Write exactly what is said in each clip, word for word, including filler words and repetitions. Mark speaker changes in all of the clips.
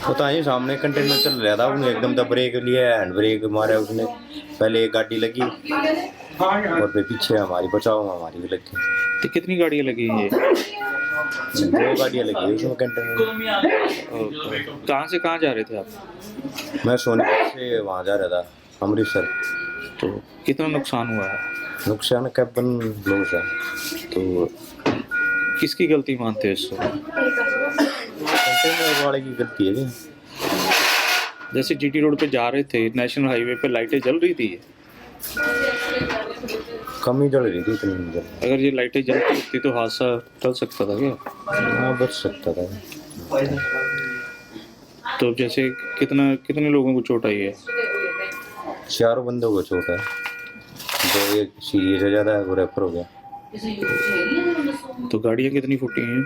Speaker 1: पता नहीं सामने कंटेनर चल रहा था, उसने एकदम से ब्रेक लिया, हैंड ब्रेक मारा उसने। पहले एक गाड़ी लगी और फिर पीछे हमारी बचाव में हमारी भी लगी।
Speaker 2: तो कितनी गाड़ियाँ लगी हैं ये?
Speaker 1: दो गाड़ियाँ लगी हुई उसमें कंटेनर में।
Speaker 2: और कहाँ से कहाँ जा रहे थे आप?
Speaker 1: मैं सोनीपत से वहाँ जा रहा था, अमृतसर।
Speaker 2: तो कितना नुकसान हुआ है?
Speaker 1: नुकसान कैबन लॉस है।
Speaker 2: तो किसकी गलती मानते हैं इसको?
Speaker 1: कंटेनर वाले की गलती है जी।
Speaker 2: जैसे जीटी रोड पे जा रहे थे, नेशनल हाईवे पे लाइटें जल रही थी,
Speaker 1: कम ही जल रही थी, इतनी नहीं जल।
Speaker 2: अगर ये लाइटें जलती होती तो हादसा टल सकता था क्या?
Speaker 1: हाँ, बच सकता था।
Speaker 2: तो जैसे कितना कितने लोगों को चोट आई है?
Speaker 1: चारों बंदों को चोट है, दो एक सीरियस है, ज़्यादा है वो रेफर हो गया।
Speaker 2: तो गाड़ियाँ कितनी फूटी हैं?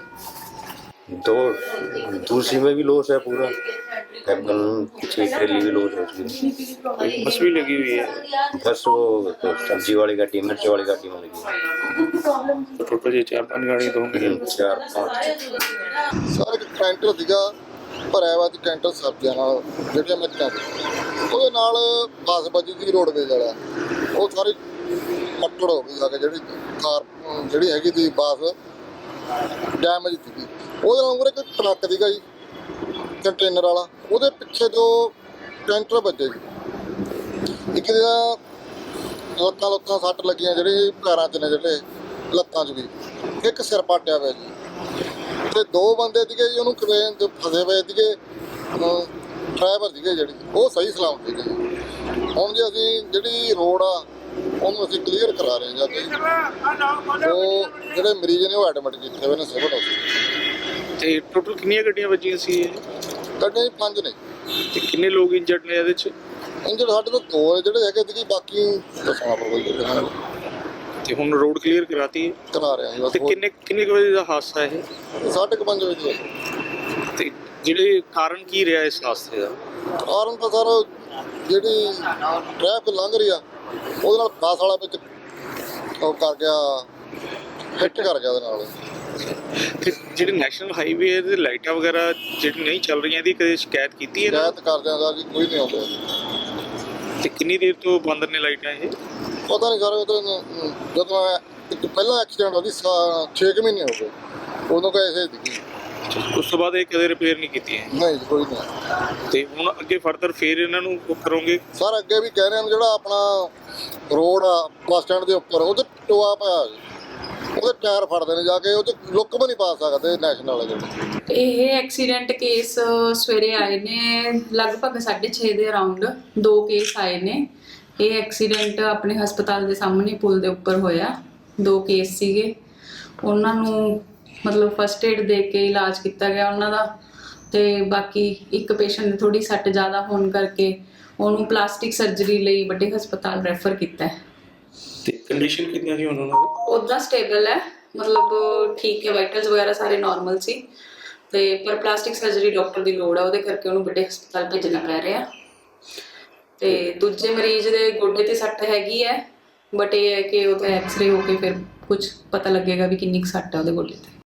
Speaker 1: दो दूसरी में भी लॉस है पूरा, कैबन पीछे ट्रेली भी लॉस है उसकी।
Speaker 2: बस भी लगी हुई है?
Speaker 1: बस वो तो सब्जी वाली गाड़ी, मिर्च वाली गाड़ी में लगी है।
Speaker 2: तो टोटल ये चार पांच गाड़ियाँ तो होंगी।
Speaker 1: चार पाँच
Speaker 3: ਸਰ ਇੱਕ ਕੈਂਟਰ ਸੀਗਾ ਭਰਿਆ ਵਾ ਚ ਕੈਂਟਰ ਸਬਜ਼ੀਆਂ ਨਾਲ ਜਿਹੜੀਆਂ ਮਿਰਚਾਂ ਸੀ, ਉਹਦੇ ਨਾਲ ਬੱਸ ਵੱਜੀ ਸੀ ਰੋਡਵੇਜ਼ ਵਾਲਾ, ਉਹ ਸਾਰੀ ਮੱਟੜ ਹੋ ਗਈ ਆ ਕੇ ਜਿਹੜੀ ਕਾਰ ਜਿਹੜੀ ਹੈਗੀ ਸੀ ਬੱਸ ਡੈਮੇਜ ਸੀਗੀ। ਉਹਦੇ ਨਾਲ ਮੂਹਰੇ ਕੋਈ ਟਰੱਕ ਸੀਗਾ ਜੀ ਕੰਟੇਨਰ ਵਾਲਾ, ਉਹਦੇ ਪਿੱਛੇ ਜੋ ਕੈਂਟਰ ਵੱਜੇ ਜੀ। ਇੱਕ ਦਾ ਲੱਤਾਂ ਲੱਤਾਂ ਸੱਟ ਲੱਗੀਆਂ, ਜਿਹੜੇ ਪੈਰਾਂ 'ਚ ਨੇ ਜਿਹੜੇ ਲੱਤਾਂ 'ਚ ਵੀ, ਇੱਕ ਸਿਰ ਪਾਟਿਆ ਹੋਇਆ ਜੀ। ਤੇ ਦੋ ਬੰਦੇ ਸੀਗੇ ਜੀ ਉਹਨੂੰ ਕ੍ਰੇਨ ਤੇ ਫਸੇ ਹੋਏ ਸੀਗੇ, ਡਰਾਈਵਰ ਸੀਗੇ ਜਿਹੜੀ, ਉਹ ਸਹੀ ਸਲਾਮਤ ਸੀਗੇ ਜੀ। ਹੁਣ ਜੀ ਅਸੀਂ ਜਿਹੜੀ ਰੋਡ ਆ ਉਹਨੂੰ ਅਸੀਂ ਕਲੀਅਰ ਕਰਾ ਰਹੇ ਹਾਂ ਜੀ। ਉਹ ਜਿਹੜੇ ਮਰੀਜ਼ ਨੇ ਉਹ ਐਡਮਿਟ ਕੀਤੇ ਹੋਏ ਨੇ ਸਿਵਲ ਹਸਪਤਾਲ।
Speaker 2: ਤੇ ਟੋਟਲ ਕਿੰਨੀਆਂ ਗੱਡੀਆਂ ਵੱਜੀਆਂ ਸੀ ਇਹ?
Speaker 3: ਗੱਡੀਆਂ ਜੀ ਪੰਜ ਨੇ।
Speaker 2: ਤੇ ਕਿੰਨੇ ਲੋਕ ਇੰਜਰਡ ਨੇ ਇਹਦੇ 'ਚ?
Speaker 3: ਇੰਜਰਡ ਸਾਡੇ ਤੋਂ ਦੋ ਜਿਹੜੇ ਹੈਗੇ ਸੀਗੇ, ਬਾਕੀ ਦੱਸਣਾ ਪਊਗਾ ਜੀ।
Speaker 2: ਤੇ ਹੁਣ ਰੋਡ ਕਲੀਅਰ ਕਰਾਤੀ ਹੈ?
Speaker 3: ਕਰਾ ਰਹੇ ਹਾਂ ਜੀ ਬਸ।
Speaker 2: ਤੇ ਕਿੰਨੇ ਕਿੰਨੇ ਕੁ ਵਜੇ ਦਾ ਹਾਦਸਾ ਇਹ?
Speaker 3: ਸਾਢੇ ਕੁ ਪੰਜ ਵਜੇ ਦੀ
Speaker 2: ਤੇ ਜਿਹੜੇ ਕਾਰਨ ਕੀ ਰਿਹਾ ਇਸ ਹਾਦਸੇ ਦਾ?
Speaker 3: ਕਾਰਨ ਤਾਂ ਸਰ ਜਿਹੜੀ ਟ੍ਰੈਫਿਕ ਲੰਘ ਰਹੀ ਆ ਉਹਦੇ ਨਾਲ ਬੱਸ ਵਾਲਾ ਵਿੱਚ ਉਹ ਕਰ ਗਿਆ, ਹਿੱਟ ਕਰ ਗਿਆ ਉਹਦੇ ਨਾਲ।
Speaker 2: ਤੇ ਜਿਹੜੇ ਨੈਸ਼ਨਲ ਹਾਈਵੇ ਦੇ ਲਾਈਟਾਂ ਵਗੈਰਾ ਜਿਹੜੀ ਨਹੀਂ ਚੱਲ ਰਹੀਆਂ, ਇਹਦੀ ਕਦੇ ਸ਼ਿਕਾਇਤ ਕੀਤੀ ਹੈ?
Speaker 3: ਸ਼ਿਕਾਇਤ ਕਰਦੇ ਆ ਜੀ, ਕੋਈ ਨਹੀਂ ਆਉਂਦਾ।
Speaker 2: ਤੇ ਕਿੰਨੀ ਦੇਰ ਤੋਂ ਬੰਦ ਨੇ ਲਾਈਟਾਂ ਇਹ?
Speaker 3: ਪਤਾ ਨਹੀਂ ਸਰ, ਉਹ ਤਾਂ ਜਦੋਂ ਇੱਕ ਪਹਿਲਾ ਐਕਸੀਡੈਂਟ ਹੋਈ ਛੇ ਕੁ ਮਹੀਨੇ ਹੋ ਗਏ, ਉਦੋਂ ਕਾ ਐਸੇ ਸੀਗੀ।
Speaker 2: ਉਸ ਤੋਂ ਬਾਅਦ ਇਹ ਕਦੇ ਰਿਪੇਅਰ ਨਹੀਂ ਕੀਤੀ ਹੈ?
Speaker 3: ਨਹੀਂ ਜੀ, ਕੋਈ ਨਹੀਂ।
Speaker 2: ਤੇ ਹੁਣ ਅੱਗੇ ਫਰਦਰ ਫੇਰ ਇਹਨਾਂ ਨੂੰ ਉਹ ਕਰੋਗੇ?
Speaker 3: ਸਰ ਅੱਗੇ ਵੀ ਕਹਿ ਰਹੇ ਹਾਂ, ਜਿਹੜਾ ਆਪਣਾ ਰੋਡ ਆ ਬੱਸ ਸਟੈਂਡ ਦੇ ਉੱਪਰ, ਉਹਦੇ ਟੋਆ ਪਿਆ ਜੀ, ਉਹਦੇ ਟਾਇਰ ਫੜਦੇ ਨੇ ਜਾ ਕੇ, ਉਹ 'ਚ ਲੁੱਕ ਵੀ ਨਹੀਂ ਪਾ ਸਕਦੇ ਨੈਸ਼ਨਲ ਵਾਲੇ ਜਿਹੜੇ।
Speaker 4: ਇਹ ਐਕਸੀਡੈਂਟ ਕੇਸ ਸਵੇਰੇ ਆਏ ਨੇ ਲਗਭਗ ਸਾਢੇ ਛੇ ਦੇ ਅਰਾਊਂਡ, ਦੋ ਕੇਸ ਆਏ ਨੇ। ਇਹ ਐਕਸੀਡੈਂਟ ਆਪਣੇ ਹਸਪਤਾਲ ਦੇ ਸਾਹਮਣੇ ਪੁਲ ਦੇ ਉੱਪਰ ਹੋਇਆ। ਦੋ ਕੇਸ ਸੀਗੇ, ਉਹਨਾਂ ਨੂੰ ਮਤਲਬ ਫਸਟ ਏਡ ਦੇ ਕੇ ਇਲਾਜ ਕੀਤਾ ਗਿਆ ਉਹਨਾਂ ਦਾ। ਤੇ ਬਾਕੀ ਇੱਕ ਪੇਸ਼ੈਂਟ ਦੀ ਥੋੜੀ ਸੱਟ ਜ਼ਿਆਦਾ ਹੋਣ ਕਰਕੇ ਉਹਨੂੰ ਪਲਾਸਟਿਕ ਸਰਜਰੀ ਲਈ ਵੱਡੇ ਹਸਪਤਾਲ ਰੈਫਰ ਕੀਤਾ ਹੈ।
Speaker 2: ਤੇ ਕੰਡੀਸ਼ਨ ਕਿੰਨੀ ਸੀ ਉਹਨਾਂ ਦੀ?
Speaker 4: ਉੱਦਾਂ ਸਟੇਬਲ ਹੈ, ਮਤਲਬ ਠੀਕ ਹੈ, ਵਾਈਟਲਸ ਵਗੈਰਾ ਸਾਰੇ ਨਾਰਮਲ ਸੀ। ਤੇ ਪਰ ਪਲਾਸਟਿਕ ਸਰਜਰੀ ਡਾਕਟਰ ਦੀ ਲੋੜ ਆ, ਉਹਦੇ ਕਰਕੇ ਉਹਨੂੰ ਵੱਡੇ ਹਸਪਤਾਲ ਭੇਜਣਾ ਪੈ ਰਿਹਾ। ਤੇ ਦੂਜੇ ਮਰੀਜ਼ ਦੇ ਗੋਡੇ ਤੇ ਸੱਟ ਹੈਗੀ ਹੈ, ਬਟ ਇਹ ਹੈ ਕਿ ਉਹਦਾ ਐਕਸਰੇ ਹੋ ਕੇ ਫਿਰ ਕੁਝ ਪਤਾ ਲੱਗੇਗਾ ਵੀ ਕਿੰਨੀ ਕੁ ਸੱਟ ਹੈ ਉਹਦੇ ਗੋਡੇ ਤੇ।